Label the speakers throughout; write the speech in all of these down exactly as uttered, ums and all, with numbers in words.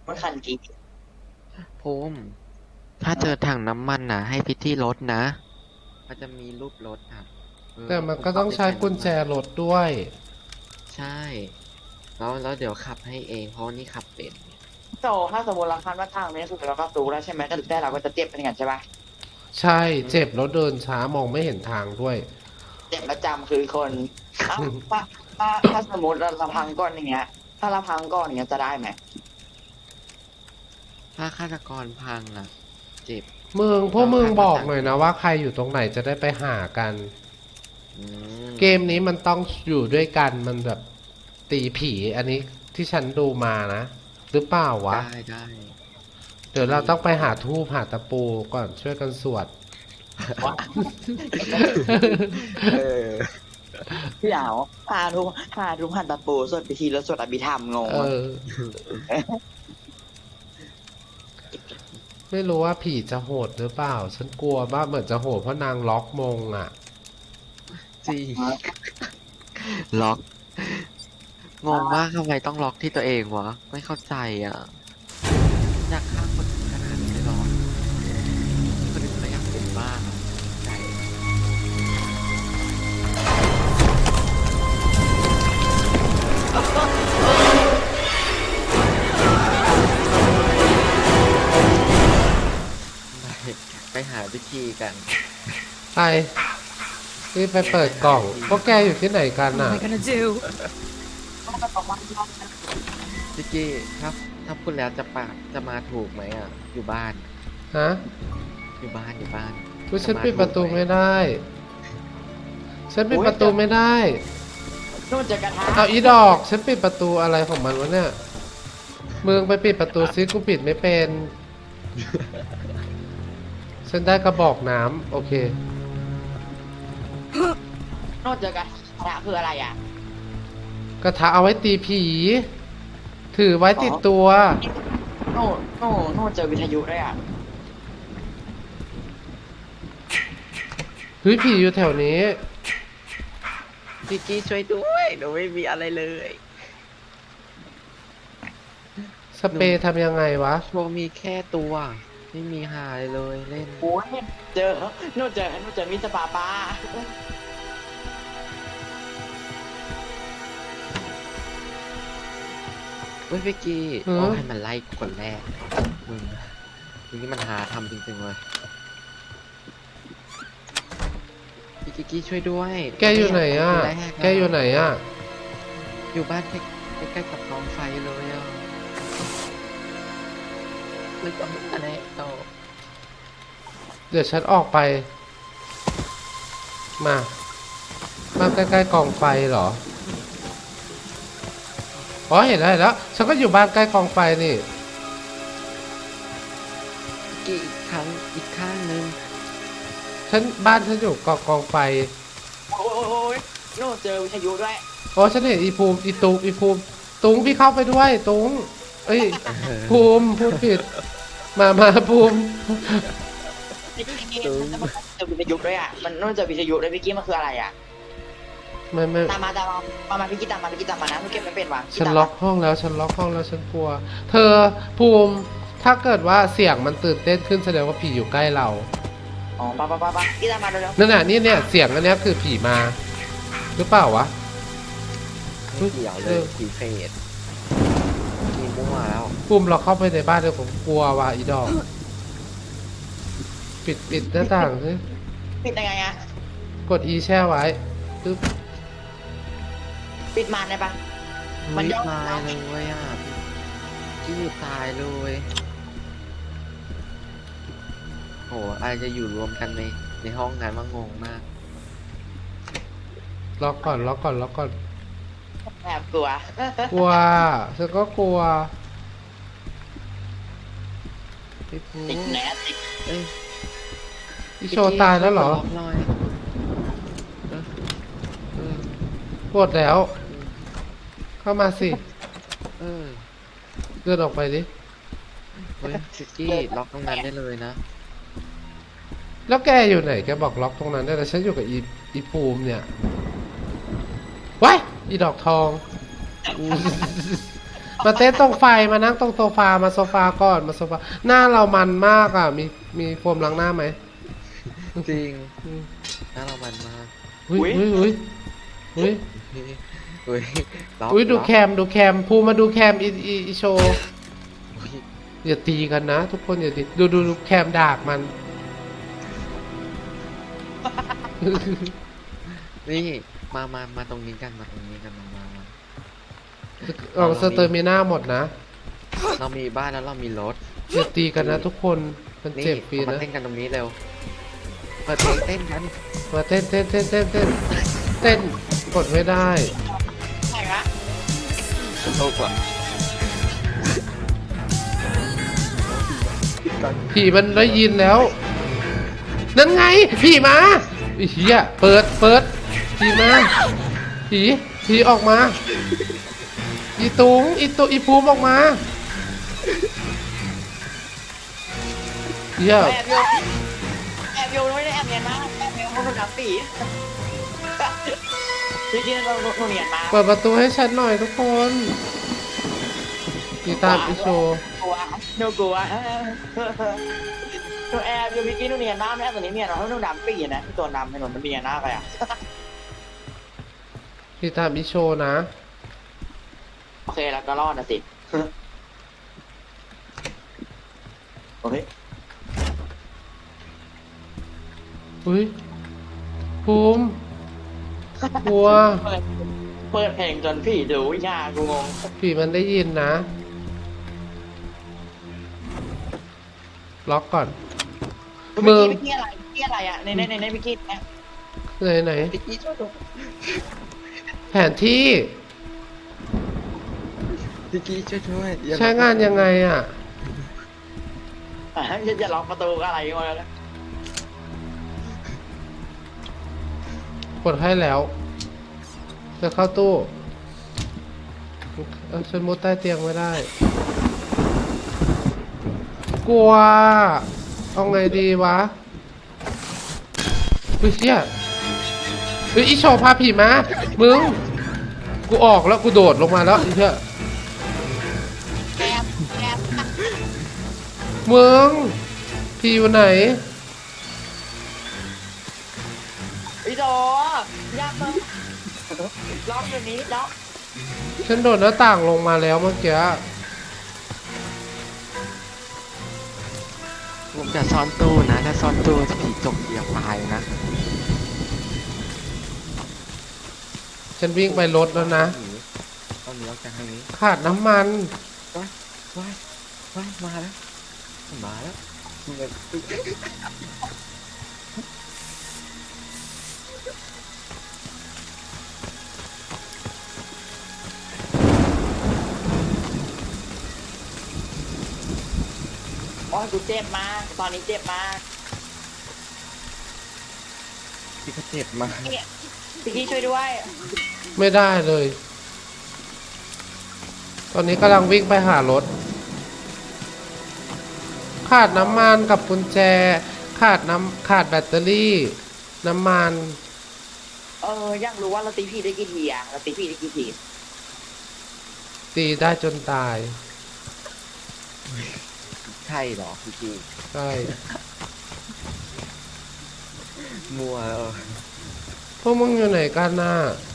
Speaker 1: รถคันกี
Speaker 2: ภูมิถ้าเจอถังน้ำมันนะให้พิธีรถนะมันจะมีรูปรถอ่ะเออ
Speaker 3: แต่
Speaker 2: แล้วภูมิก็
Speaker 3: มันก็ต้อง
Speaker 2: ไปใส่น้ำ
Speaker 3: ใช้กุญแจ
Speaker 2: มัน
Speaker 3: รถด้วย
Speaker 2: ใช่แล้วแล้วเดี๋ยวขับให้เองเพราะว่านี่ขับเป็น
Speaker 1: โตถ้าสมมติเราคันว่าทางนี้คือเราก็รู้แล้วใช่ไหมแต่แต่เราก็จะเจ็บเป็นอย่างนั้นใช่ปะ
Speaker 3: ใช่เจ็บแล้วเดินช้ามองไม่เห็นทางด้วย
Speaker 1: เจ็บประจำคือคนเอ้าถ้าถ้าถ้าสมมติเราเราพังก่อนอย่างเงี้ย ถ้าเราพังก่อนอย่างเงี้ยจะได้ไหม
Speaker 2: ถ้าฆาตกรพังอ่ะเจ็บ
Speaker 3: มึงพวก
Speaker 2: เรา
Speaker 3: มึงบ
Speaker 2: คาดว่าจะ
Speaker 3: อกหน่อยนะว่าใครอยู่ตรงไหนจะได้ไปหากัน
Speaker 2: อืม
Speaker 3: เกมนี้มันต้องอยู่ด้วยกันมันแบบตีผีอันนี้ที่ฉันดูมานะหรือเปล่าวะ
Speaker 2: ได้ได้
Speaker 3: เดี๋ยวเราต้องไปหาทูบหาตะปูก่อนช่วยกันสวด
Speaker 1: วะ
Speaker 2: เออ
Speaker 1: พี่เอาพาทุกพาทุกหันตะปูสวดพิธีแล้วสวดอภิธรรมงง
Speaker 3: เอ
Speaker 1: วะ
Speaker 3: อ ไม่รู้ว่าผีจะโหดหรือเปล่า ฉันกลัวว่าเหมือนจะโหดเพราะนางล็อกมงอ่ะ
Speaker 2: จริงล็อกงงมากทำไมต้องล็อกที่ตัวเองวะไม่เข้าใจอ่ะอยากฆ่าคนอื่นขนาดนี้เลยเหรอคนอื่นก็อยากเป็นบ้างอะใจไปไปหาวิธีกัน
Speaker 3: ไปรีบไปเปิดกล่อง พวกแกอยู่ที่ไหนกัน
Speaker 4: What
Speaker 3: อ่ะ
Speaker 4: am I gonna do?
Speaker 2: พี่กี้ครับถ้าพูดแล้วจะปากจะมาถูกไหมอ่ะ อยู่บ้าน
Speaker 3: ฮะ
Speaker 2: อยู่บ้านอยู่บ้าน
Speaker 3: กูฉันปิดประตูไม่ได้ ฉันปิดประตูไม่ได้
Speaker 1: นู่นจะกระทะ
Speaker 3: เอาอีดอก ฉันปิดประตูอะไรของมันวะเนี่ยมึงไปปิดประตูซิกูปิดไม่เป็น ฉันได้กระบอกน้ำโอเค
Speaker 1: นู่นจะกระทะคืออะไรอ่ะ
Speaker 3: กระทะเอาไว้ตีผี ถือไว้ติดตัว
Speaker 1: โน่โน่โน่เจอวิทยุด้วยอ่ะ
Speaker 3: เฮ้ยผีอยู่แถวนี้
Speaker 2: พี่กี้ช่วยด้วยหนูไม่มีอะไรเลย
Speaker 3: สเปรย์ทำยังไงวะ
Speaker 2: โชว์มีแค่ตัว ไม่มีหาเลยเลยเล่น
Speaker 1: โอ้ยเจอโน่เจอโน่เจอมิสปาปา
Speaker 2: เฮ้ยพี่กี้
Speaker 3: หือ
Speaker 2: เอาให้มันไล่คนแรกมึงมึงนี่มันหาทำจริงๆเลยพี่กิกกี้ช่วยด้วย
Speaker 3: แกอยู่ไหนอ่ะ
Speaker 2: คนรอะ
Speaker 3: แกอยู่ไหนอ่ะ
Speaker 2: อยู่บ้านใกล้ใกล้ๆกับกองไฟเลยอ่ะเลยจะไม่อะไรต่อ
Speaker 3: เดี๋ยวฉันออกไป มา มาใกล้ๆกองไฟเหรอ อ๋อเห็นแล้วเห็นแล้ว ฉันก็อยู่บ้านใกล้กองไฟนี่
Speaker 2: พี่กี้อีกครั้งอีกข้างนึง
Speaker 3: ฉันบ้านฉันอยู่กองกองไฟ
Speaker 1: โอ้ยโน่เจอวิทยุด้วย
Speaker 3: อ๋อฉันเห็นอีภูมิอีตุงอีภูมิตุงพี่เข้าไปด้วยตุงเอ้ยภูมิพูดผิด มามาภูมิ
Speaker 1: พี่กี้เจอวิทยุด้วยอ่ะมันโน่เจอวิทยุด้วยพี่กี้มันคืออะไรอ่ะ
Speaker 3: ไม่ไม่
Speaker 1: ตามมาตามมามามาพี่กี้ตามมาพี่กี้ตามมานะพี่เก็บไม่เป็นวะ
Speaker 3: ฉันล็อกห้องแล้วฉันล็อกห้องแล้วฉันกลัว เธอภูมิถ้าเกิดว่าเสียงมันตื่นเต้นขึ้นแสดงว่าผีอยู่ใกล้เรา
Speaker 1: อ๋อปะปะปะปะพี่ตามมาเร็ว
Speaker 3: นั่นน่ะนี่เนี่ยเสียงอันเนี้ยคือผีมา หรือเปล่าวะ
Speaker 2: ไม่เกี่ยวเล
Speaker 3: เอย อ
Speaker 2: ผีเฟสมีมั่วแล้ว
Speaker 3: ภูมิเราเข้าไปในบ้านเดี๋ยวผมกลัวว่ะอีดอก ปิดปิดหน้าต่างสิ
Speaker 1: ๆปิดยังไงอ่ะ
Speaker 3: กด E แช่ไว้ปึ๊บ
Speaker 1: ปิดมานได้ปะ มันย่อ
Speaker 2: ตายเลยอ่ะพี่กี้ตายเลยโหอะไรจะอยู่รวมกันในในห้องนั้นว่างงมาก
Speaker 3: ล็อกก่อนล็อกก่อนล็อกก่อน
Speaker 1: แอบกลัว
Speaker 3: กลัวฉันก็กลัว
Speaker 2: พี่ภู
Speaker 1: ติดแนทติด
Speaker 2: เอ้ย
Speaker 3: พี่โชว์ตายแล้วเหรอ
Speaker 2: ล็อกหน่อยเออเออ
Speaker 3: ปวดแล้ว เข้ามาสิ
Speaker 2: เออ
Speaker 3: เดินออกไปดิ
Speaker 2: เฮ้ยชิกกี้ล็อกตรงนั้นได้เลยนะ
Speaker 3: แล้วแกอยู่ไหน แกบอกล็อกตรงนั้นได้แล้วฉันอยู่กับอีอีภูมิเนี่ยว้ายอีดอกทอง ไปมาเต้นตรงไฟมานั่งตรงโซฟามาโซฟาก่อนมาโซฟาหน้าเรามันมากอ่ะ มีมีโฟมล้างหน้าไหม
Speaker 2: จริงน่าเรามันมาก
Speaker 3: อุ้ยอุ้ยอุ้ยอุ้ย
Speaker 2: อุ้ยล็อก
Speaker 3: อุ้ยดู
Speaker 2: ล็อก
Speaker 3: แคมดูแคมภูมิมาดูแคมอีอีอีโชว์
Speaker 2: อุ๊ย
Speaker 3: อย่าตีกันนะ ทุกคนอย่าตีดูดูดูแคมดากมัน
Speaker 2: นี่มามามาตรงนี้กันมาตรงนี้กันมามามา
Speaker 3: เอาสเตอร์มิน่าหมดนะ
Speaker 2: เรามีบ้านแล้วเรามีรถ
Speaker 3: อย่าตีกันนะทุกคนมัน
Speaker 2: นี่
Speaker 3: เจ็บฟรี
Speaker 2: มา
Speaker 3: นะ
Speaker 2: เต้นกันตรงนี้เร็วเปิดเพลงเต้นกัน
Speaker 3: มาเต้นเต้นเต้นเต้นเต้นเต้นกดไม่ได้
Speaker 1: ใช่ละ
Speaker 2: โลกว่ะ
Speaker 3: ผีมันได้ยินแล้ว นั่นไงผีมาไอ้เหี้ยเปิดเปิดผีมาผีผีออกมาอีตุงอีตุอีภูมิออกมาเหี้ย
Speaker 1: แอบโยนแอบโยนไม่ได้แอบเนียนมากแอบเนียนเพราะมันน้ำปีจริงๆเราเราเนียนมาก
Speaker 3: เปิดประตูให้ฉันหน่อยทุกคนตีตามอีโชว์
Speaker 1: กลัวหนูกลัวหนูแอบอยู่เมื่อกี้หนูเนียนมากแม่ตัวนี้เนียนเราเพราะหนูดำปีนะตัวดำถนนมันเนียนมากไปอ่ะ
Speaker 3: ตีตามอีโชว์นะ
Speaker 1: โอเคแล้วก็รอดนะสิโอเค
Speaker 3: อุ้ยภูมิกลัว
Speaker 1: เปิดเปิดเพลงจนพี่ดูยากูงง
Speaker 3: ผีมันได้ยินนะ ล็อกก่อน
Speaker 1: เมื่อกี้เมื่อกี้อะไรเมื่อกี้อะไรอ่ะในในในในเมื่อกี้เนี่ย
Speaker 3: ไหนไหน
Speaker 2: พี่กี้ช่วยด้วย
Speaker 3: แผนที่
Speaker 2: พี่กี้ช่วยด้วยอย่
Speaker 3: ใช้งานยังไงอ่ะ
Speaker 1: อ่ะอย่าอย่าล็อกประตูก็อะไรก็แล้ว
Speaker 3: กดให้แล้ว จะเข้าตู้เออฉันมุดใต้เตียงไม่ได้ กลัว เอาไงดีวะเฮ้ยเชี่ยเฮ้ยอีโชว์พาผีมา มึง กูออกแล้วกูโดดลงมาแล้วไอ้เชี่ย
Speaker 1: แอบแอบ
Speaker 3: มึง ผีอยู่ไหน
Speaker 1: พี่โดยากมากล็อกอยู่นี้ล็อก
Speaker 3: ฉันโดดหน้าต่างลงมาแล้วเมื่อกี้
Speaker 2: ผมจะซ่อนตู้นะ ถ้าซ่อนตู้จะผีจกเหยียบตายนะ
Speaker 3: ฉันวิ่งไปรถแล้วนะ
Speaker 2: ตอนนี้ออกจากทางนี้
Speaker 3: ขาดน้ำมัน
Speaker 2: ว้ายว้ายว้ายมาแล้วมาแล้วเงิน
Speaker 1: โอ้ยกูเจ็บมากตอนนี้เจ็บมาก
Speaker 2: พี่ก็เจ็บมาก
Speaker 1: เนี่ยพี่กี้ช่วยด้วย
Speaker 3: ไม่ได้เลย ตอนนี้กำลังวิ่งไปหารถ ขาดน้ำมันกับกุญแจ ขาดน้ำขาดแบตเตอรี่ น้ำมัน
Speaker 1: เอออยากรู้ว่าเราตีพี่ได้กี่ทีอะเราตีพี่ได้กี่ที
Speaker 3: ตีได้จนตาย
Speaker 2: ใช่เหรอพี่กี้
Speaker 3: ใช่
Speaker 2: มัวแล้ว
Speaker 3: พวกมึงอยู่ไหนกันน่ะ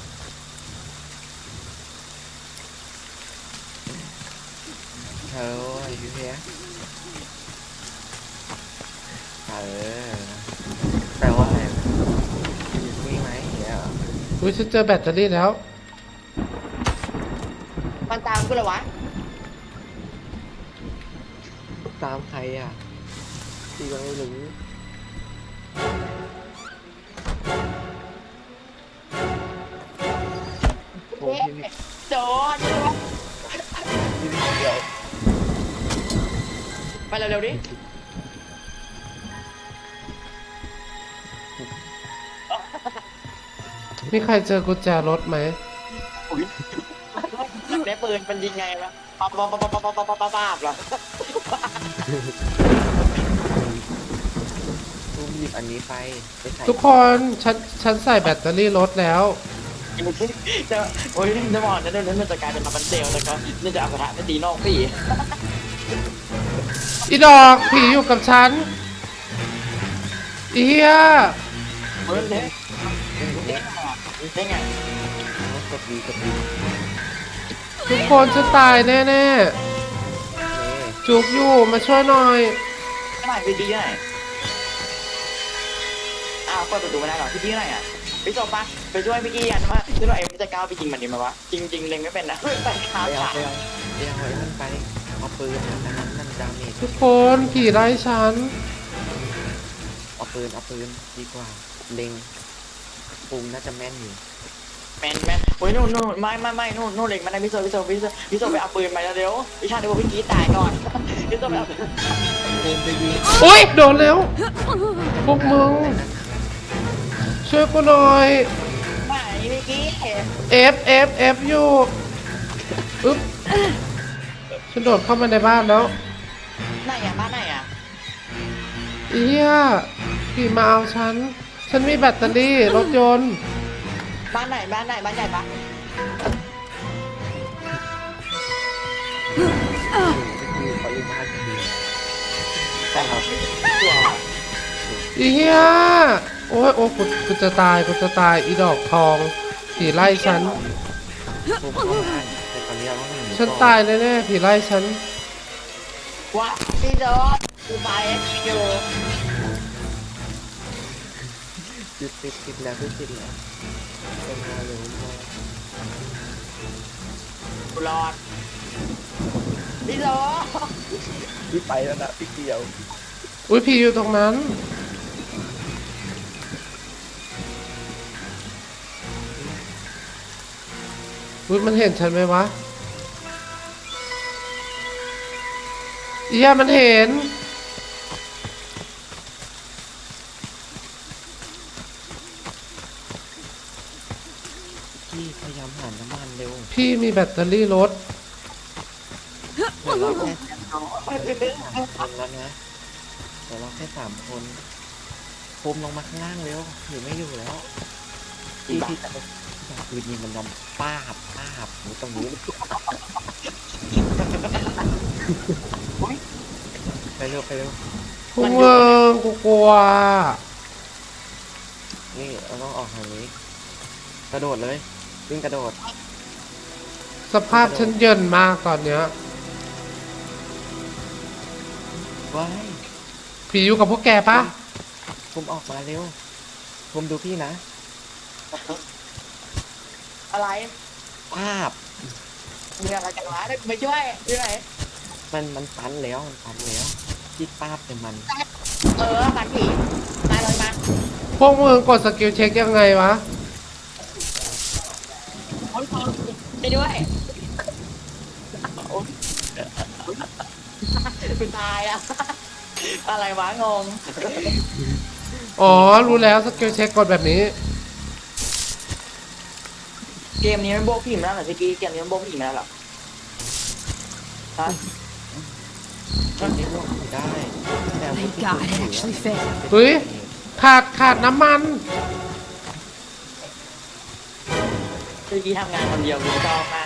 Speaker 2: เธอไอ้พี่เพียเออแปลว่าอะไรมีไหมเนี่ยเหรอ
Speaker 3: อุ้ยฉันเจอแบตเตอรี่แล้ว
Speaker 1: มันตามกูเหรอวะ
Speaker 2: ตามใครอ่ะพี่ก็ไม่รู้โอ้พี่พี่
Speaker 1: โดน
Speaker 2: พี่พี่เดียว
Speaker 1: ไปเร็วๆดิ
Speaker 3: มีใครเจอกุญแจรถไหม
Speaker 1: ได้ปืนมันยิงไงวะปั๊บปั๊บปั๊บปั๊บปั๊บปั๊บปั๊บปั๊บเหรอ
Speaker 2: ตุ้มหยิบอันนี้ไปไปใส่
Speaker 3: ทุกคนฉันฉันใส่แบตเตอรี่รถแล้ว
Speaker 1: จะโอ้ยจะบอกนะเดี๋ยวนั้นมันจะกลายเป็นมาบันเซลแล้วก็นี่จะเอากระทะไปตีนอกพี่
Speaker 3: อีดอกผีอยู่กับฉันอีเหี้ย
Speaker 1: เฮ้ยเด้ได้ไง
Speaker 2: กดดีกดดี
Speaker 3: ทุกคนจะตายแน่ๆจุกอยู่มาช่วยหน่อย
Speaker 1: ทำไมพี่กี้ไหนอ้าวเปิดประตูไม่ได้หรอพี่กี้ไหนอ่ะพี่จบปะไปช่วยพี่กี้กันว่าช่วยเอ็มจะก้าวไปยิงมันดีไหมวะจริงๆเล็งไม่เป็นนะใส่ขา
Speaker 2: ไปเอา
Speaker 1: ขา
Speaker 2: ไปเอาไปเอาไอ้นั่นไปเอาปืนอันนั้นนั่นดาเมจ
Speaker 3: ทุกคนผีไล่ฉัน
Speaker 2: เอาปืนเอาปืนดีกว่าเล็งปุ่มน่าจะแม่นอยู่
Speaker 1: แมนแมนโอ้ยนู่นนู่นไม่ไม่ไม่นู่นนู่นเล็งมันได้พี่โซพี่โซพี่โซพี่โซไปเอาปืนไปแล้วเดี๋ยวพี่ชาติเดี๋ยวพี่กี้ตายก่อนพี่โซไปเอา
Speaker 2: ปุ่มไปยิง
Speaker 3: อุ้ยโดนแล้วพวกมึงช่วยกูหน่อย
Speaker 1: ไหนพี่กี้
Speaker 3: F F F อยู่อึ๊บฉันโดดเข้ามาในบ้านแล้ว
Speaker 1: ไหนอ่ะบ้านไหนอ่ะ
Speaker 3: เอียผีมาเอาฉัน ฉันมีแบตเตอรี่รถยนต์
Speaker 1: บ้านไหนบ้านไหนบ้านใหญ่ปะ
Speaker 2: คือปริมาณดีแต่เรา
Speaker 1: ตัว
Speaker 3: อีเหี้ยโอ้ยโอ้ยกูกูจะตายกูจะตายอีดอกทองผีไล่ฉัน
Speaker 2: ปุ่มเข้าบ้านแต่ตอนนี้เราต้องหนี
Speaker 3: ฉันตายแน่ๆผีไล่ฉัน
Speaker 1: ว้าพี่โซกูไปอยู่
Speaker 2: ติดติดติดแล้วติดแล้วเป็นมาเลยมา
Speaker 1: กูรอดพี่โซ
Speaker 2: พี่ไปแล้วนะพี่เกียว
Speaker 3: อุ้ยผีอยู่ตรงนั้นอุ้ยมันเห็นฉันไหมวะเอียมันเห็น
Speaker 2: พี่พยายามหาน้ำมันเร็ว
Speaker 3: พี่มีแบตเตอรี่รถ
Speaker 2: เดี๋ยวเราแค่สามคนแล้วนะเดี๋ยวเราแค่สามคนโฟมลงมาข้างล่างเร็วอยู่ไม่อยู่แล้วพี่พี่จะจะปืนยิงมันยอมป้าบป้าบอยู่ตรงนี้ไปเร็วไปเร็ว
Speaker 3: พวกมึงกูกลัว
Speaker 2: นี่เราต้องออกทางนี้ กระโดดเลยวิ่งกระโดด
Speaker 3: สภาพฉันเยินมากตอนเนี้ย
Speaker 2: ว้าย
Speaker 3: ผีอยู่กับพวกแกปะ
Speaker 2: ผมออกมาเร็วผมดูพี่นะ
Speaker 1: อะไร
Speaker 2: ภาพ
Speaker 1: มีอะไรจากร้านได้กูไปช่วยช่วย
Speaker 2: มันมันตันแล้วมันตันแล้วที่ป้าบเป็นมัน
Speaker 1: เออปันผีมาเลยมา
Speaker 3: พวกมึงกดสกิลเช็คยังไงวะ
Speaker 1: โอ้ยไปด้วยคุณตายอ่ะอะไรวะงง
Speaker 3: อ๋อ รู้แล้วสกิลเช็คกดแบบนี้
Speaker 1: เกมนี้มันโบกผีมาแล้วเหรอพี่กี้เกมนี้มันโบกผีมาแล้วเหรอฮะ
Speaker 2: มันนี้ลงไม่ได้แต่
Speaker 4: Thank God it actually failed.
Speaker 3: เฮ้ย ขาดขาดน้ำมัน
Speaker 1: พี่กี้ทำงานคนเดียวกูชอบมาก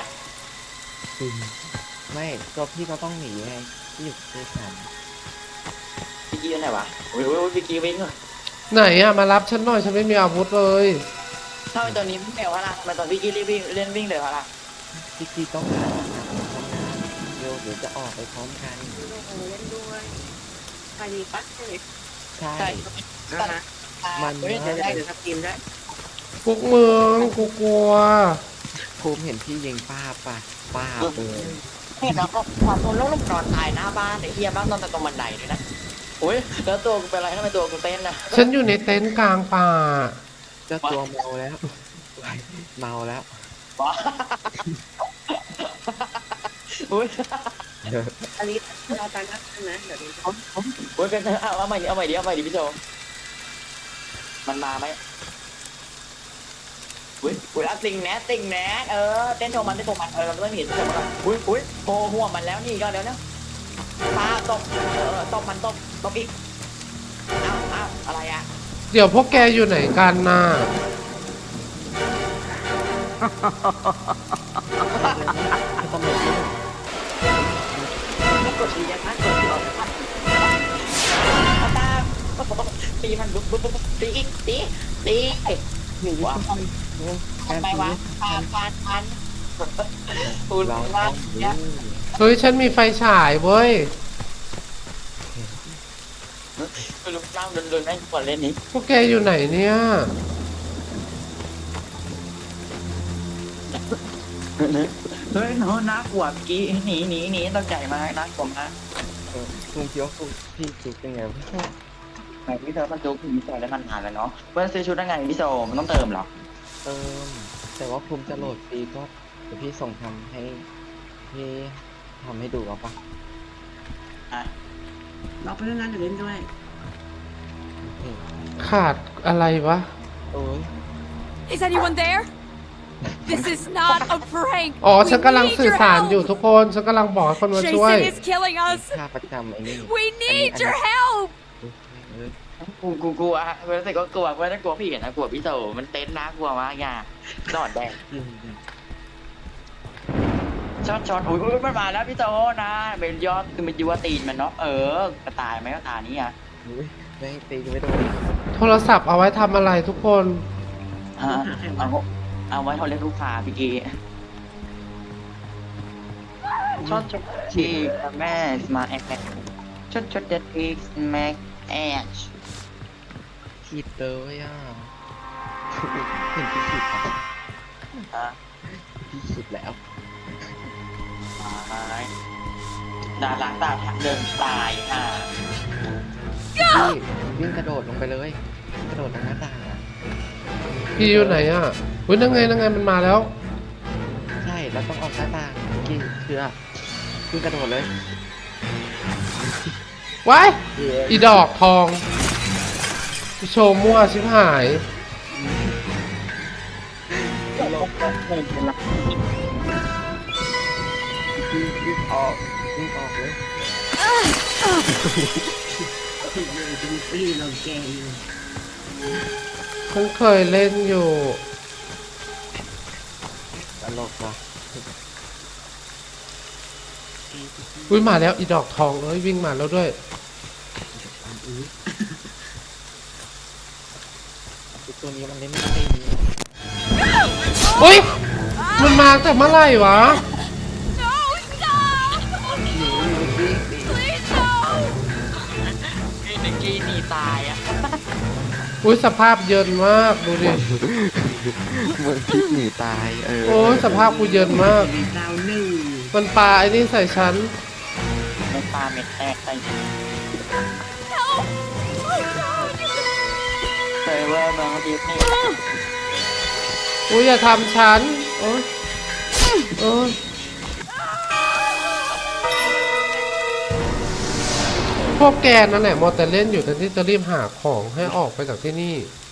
Speaker 2: ไม่ตัวพี่ก็ต้องหนีไงพี่อยู่ที่สาม
Speaker 1: พี่กี้อยู่ไหนวะโอ้ยโอ้ยพี่กี้วิ่งเหรอ
Speaker 3: ไหนอะมารับฉันหน่อย ฉันไม่มีอาวุธเลย
Speaker 1: ถ้าเป็นตัวนี้ไม่เร็วละทำไมตอนพี่กี้รีบวิ่งเล่นวิ่งเร็วละ
Speaker 2: พี่กีต้องหาเดี๋ยวเดี๋ยวจะออกไปพร้อมกัน
Speaker 5: เล่นด้วยไปดีปั๊บใช่ไหม
Speaker 2: ใช่
Speaker 1: ใช่ตัด
Speaker 2: มัน
Speaker 1: เฮ้ยเดี๋ยวได้
Speaker 5: เดี๋ยวสตรีมได้
Speaker 3: พวกมึงกูกลัว
Speaker 2: ภูมิเห็นพี่ยิงป้าบป่ะป้าบเลย
Speaker 1: เห็นแล้วก็ความทนแล้วลงนอนตายหน้าบ้านไอ้เฮียบ้านนอนแต่ตรงบันไดเลยนะโอ้ยแล้วตัวกูเป็นไรทำไมตัวกูเต้นนะ
Speaker 3: ฉันอยู่ในเต็นท์กลางป่า
Speaker 2: เจ้าตัวเมาแล้วเมาแล้ว
Speaker 1: ว้าอุ้ย
Speaker 5: อันนี้เราการนัดกันนะเดี๋ยวนี้
Speaker 1: โอ้ยเป็นเอาเอาใหม่ดิเอาใหม่ดิเอาใหม่ดิพี่โจมันมาไหมอุ้ยอุ้ยเอาติงแหนติงแหนเออเต้นโชว์มันเต้นโชว์มันเออเราต้องเห็นโชว์มันอุ้ยอุ้ยโผล่หัวมันแล้วนี่ก็เดี๋ยวนะปลาตกเออตกมันตกตกอีกอ้าวอ้าวอะไรอ่ะ
Speaker 3: เดี๋ยวพวกแกอยู่ไหนกันน่ะ
Speaker 2: ตำรวจนี่
Speaker 1: กดตียังนะกดตีออกมาตามตีมันบุ๊บบุ๊บบุ๊บตีอีกตีตีหนึ่งว่าทำไมวะปานปานปานคุณ
Speaker 2: เรา
Speaker 1: ว่า
Speaker 2: ต้อง
Speaker 1: เนี่ย
Speaker 3: เฮ้ยฉันมีไฟฉายเว้ย
Speaker 1: คุณลุงเล่าเดินๆให้ก่อนเล่นนี้
Speaker 3: พวกแกอยู่ไหนเนี่ย
Speaker 1: เฮ้ยน้องน่ากลัวกี้หนีหนีหนีต้องใจมากน่ากลัวมาก
Speaker 2: ลุงคิดว่าพี่จุกยังไง
Speaker 1: ไหนพี่เธอมันจุกพี่โซได้มันนานแล้วเนาะเพื่อนซื้อชุดยังไงพี่โซมันต้องเติมหรอ
Speaker 2: เติมแต่ว่าภูมิจะโหลดฟรีก็เดี๋ยวพี่ส่งทำให้พี่ทำให้ดูเอาปะ
Speaker 5: เราไปเรื่องนั้นเดี๋ยวเล่นด้วย
Speaker 3: ขาดอะไรวะ
Speaker 2: โอ้ย
Speaker 4: Is anyone there? This is not a prank.
Speaker 3: อ๋อ
Speaker 4: We
Speaker 3: ฉันกำลัง
Speaker 4: need
Speaker 3: สื่อ
Speaker 4: your
Speaker 3: สารอยู่
Speaker 4: help.
Speaker 3: ทุกคน ฉันกำลังบอกให้คนมาช่วย
Speaker 4: Jason is killing us.
Speaker 2: ค่าประจำไอ้นี่
Speaker 4: We need your help.
Speaker 2: เออ
Speaker 1: กูกูกลัวเพื่อนรู้สึกก็กลัวเพื่อนจะกลัวพี่นะกลัวพี่โซมันเต้นน่ากลัวมากอย่าดอดแดง
Speaker 2: อืมอืม
Speaker 1: ช็อตช็อตอุ้ยอุ้ยมันมาแล้วพี่โซนะเป็นยอดคือมันยัวตีนมันเนาะเออกระตายไหมกระตายนี้อ่ะ
Speaker 2: อุ๊ยไม่ตีไม่โดน
Speaker 3: โทรศัพท์เอาไว้ทำอะไรทุกคน
Speaker 1: ฮะเอาเอาไว้เขาเรียกลูกค้าพี่กีช็อตช็อตชีแม่มาแอคช็อตช็อตเด็ดอีกแม็กแอช
Speaker 2: ขีดเลยอ่ะเห็นพี่ขีดปะ
Speaker 1: ฮะ
Speaker 2: พี่ขีดแล้ว
Speaker 1: ตายดาราตาเดินตายอ่ะ
Speaker 2: พี่วิ่งกระโดดลงไปเลยกระโดดลงหน้าต่างอ่ะ
Speaker 3: พี่อยู่ไหนอ่ะอุ้ยนั่งไงนั่งไงมันมาแล้ว
Speaker 2: ใช่แล้วต้องออกหน้าต่างกินเชือวิ่งกระโดดเลย
Speaker 3: ไว้อีดอกทองโชว์มั่วชิบหาย
Speaker 2: วิ่งออกวิ่งออกเลย
Speaker 3: ฉันเคยเล่นอยู่
Speaker 2: ตลกว่ะ
Speaker 3: อุ้ยมาแล้วอีดอกทองเอ้ยวิ่งมาแล้วด้วย
Speaker 2: ไอ้ตัวนี้มันเล่นไม่ได้ดี
Speaker 3: อุ้ยมันมาแต่เมื่อไหร่วะ
Speaker 4: No, stop. Please, no.
Speaker 1: พี่นิกกี้หนีตายอ่ะ
Speaker 3: อุ้ยสภาพเยินมากดูดิ
Speaker 2: เหมือนพิษหนีตายเออ
Speaker 3: โอ้ยสภาพกูเยินมาก มันปลาไอ้นี่ใส่ฉัน
Speaker 1: ไม่ปลาเม็ดแตกใส่
Speaker 4: Help. Oh, no.
Speaker 1: เซเวอร์เมืองดิสนีย์
Speaker 3: อุ้ยอย่าทำฉัน โอ้ยโอ้ยพวกแกนั่นแหละมอแต่เล่นอยู่แต่ที่จะรีบหาของให้ออกไปจากที่นี่